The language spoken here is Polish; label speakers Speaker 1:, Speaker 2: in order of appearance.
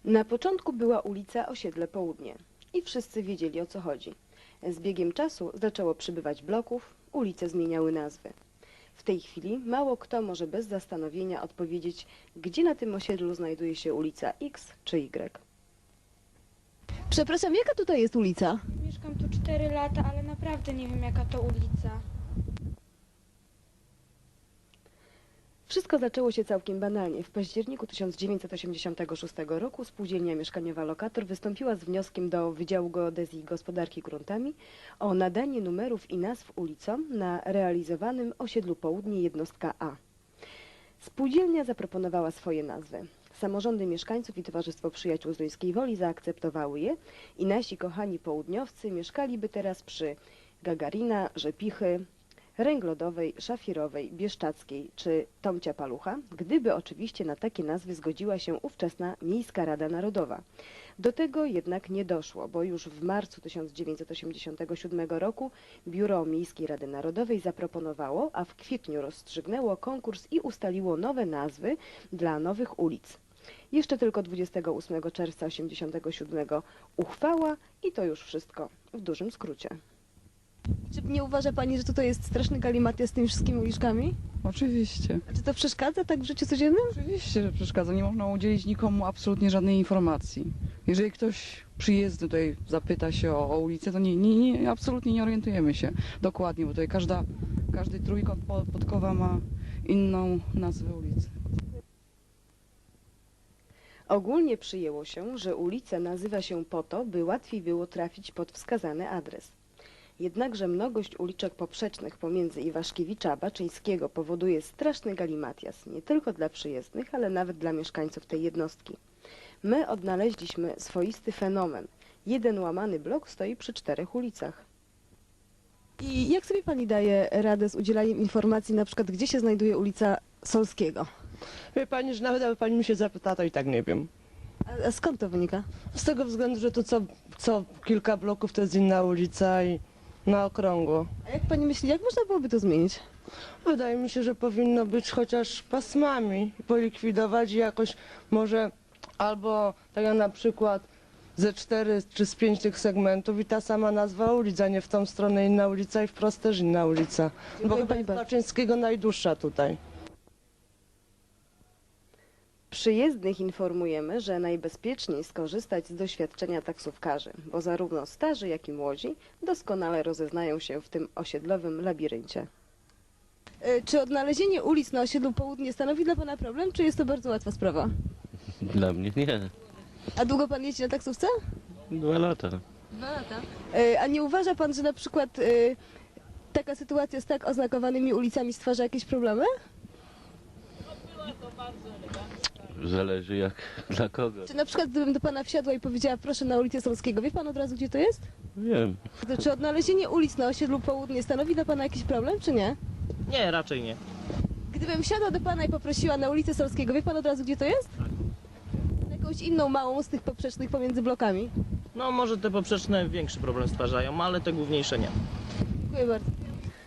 Speaker 1: Na początku była ulica Osiedle Południe i wszyscy wiedzieli, o co chodzi. Z biegiem czasu zaczęło przybywać bloków, ulice zmieniały nazwy. W tej chwili mało kto może bez zastanowienia odpowiedzieć, gdzie na tym osiedlu znajduje się ulica X czy Y.
Speaker 2: Przepraszam, jaka tutaj jest ulica?
Speaker 3: Mieszkam tu 4 lata, ale naprawdę nie wiem, jaka to ulica.
Speaker 1: Wszystko zaczęło się całkiem banalnie. W październiku 1986 roku spółdzielnia mieszkaniowa Lokator wystąpiła z wnioskiem do Wydziału Geodezji i Gospodarki Gruntami o nadanie numerów i nazw ulicom na realizowanym osiedlu Południe jednostka A. Spółdzielnia zaproponowała swoje nazwy. Samorządy mieszkańców i Towarzystwo Przyjaciół z Duńskiej Woli zaakceptowały je i nasi kochani południowcy mieszkaliby teraz przy Gagarina, Rzepichy, Ręglodowej, Szafirowej, Bieszczackiej czy Tomcia Palucha, gdyby oczywiście na takie nazwy zgodziła się ówczesna Miejska Rada Narodowa. Do tego jednak nie doszło, bo już w marcu 1987 roku Biuro Miejskiej Rady Narodowej zaproponowało, a w kwietniu rozstrzygnęło konkurs i ustaliło nowe nazwy dla nowych ulic. Jeszcze tylko 28 czerwca 1987 uchwała i to już wszystko w dużym skrócie.
Speaker 2: Czy nie uważa Pani, że tutaj jest straszny galimatias z tymi wszystkimi uliczkami?
Speaker 4: Oczywiście.
Speaker 2: A czy to przeszkadza tak w życiu codziennym?
Speaker 4: Oczywiście, że przeszkadza. Nie można udzielić nikomu absolutnie żadnej informacji. Jeżeli ktoś przyjezdny tutaj zapyta się o ulicę, to absolutnie nie orientujemy się dokładnie, bo tutaj każdy trójkąt podkowa ma inną nazwę ulicy.
Speaker 1: Ogólnie przyjęło się, że ulica nazywa się po to, by łatwiej było trafić pod wskazany adres. Jednakże mnogość uliczek poprzecznych pomiędzy Iwaszkiewicza a Baczyńskiego powoduje straszny galimatias, nie tylko dla przyjezdnych, ale nawet dla mieszkańców tej jednostki. My odnaleźliśmy swoisty fenomen. Jeden łamany blok stoi przy 4 ulicach.
Speaker 2: I jak sobie Pani daje radę z udzielaniem informacji, na przykład gdzie się znajduje ulica Solskiego?
Speaker 5: Wie pani, że nawet jakby pani mi się zapytała, to i tak nie wiem.
Speaker 2: A skąd to wynika?
Speaker 5: Z tego względu, że tu co kilka bloków to jest inna ulica i na okrągło.
Speaker 2: A jak Pani myśli, jak można byłoby to zmienić?
Speaker 5: Wydaje mi się, że powinno być chociaż pasmami, polikwidować i jakoś może albo tak jak na przykład ze 4 czy z 5 tych segmentów i ta sama nazwa ulic, a nie w tą stronę inna ulica i wprost też inna ulica. Bo
Speaker 2: Dziękuję
Speaker 5: chyba
Speaker 2: pani
Speaker 5: jest
Speaker 2: bardzo.
Speaker 5: Baczyńskiego najdłuższa tutaj.
Speaker 1: Przyjezdnych informujemy, że najbezpieczniej skorzystać z doświadczenia taksówkarzy, bo zarówno starzy, jak i młodzi doskonale rozeznają się w tym osiedlowym labiryncie.
Speaker 2: Czy odnalezienie ulic na osiedlu Południe stanowi dla Pana problem, czy jest to bardzo łatwa sprawa?
Speaker 6: Dla mnie nie.
Speaker 2: A długo Pan jeździ na taksówce?
Speaker 6: 2 lata.
Speaker 2: 2 lata. A nie uważa Pan, że na przykład taka sytuacja z tak oznakowanymi ulicami stwarza jakieś problemy?
Speaker 6: Zależy jak dla kogo.
Speaker 2: Czy na przykład gdybym do Pana wsiadła i powiedziała proszę na ulicę Solskiego, wie Pan od razu gdzie to jest?
Speaker 6: Wiem.
Speaker 2: Czy odnalezienie ulic na osiedlu Południe stanowi dla Pana jakiś problem, czy nie?
Speaker 7: Nie, raczej nie.
Speaker 2: Gdybym wsiadła do Pana i poprosiła na ulicę Solskiego, wie Pan od razu gdzie to jest? Jakąś inną małą z tych poprzecznych pomiędzy blokami.
Speaker 7: No może te poprzeczne większy problem stwarzają, ale te główniejsze nie.
Speaker 2: Dziękuję bardzo.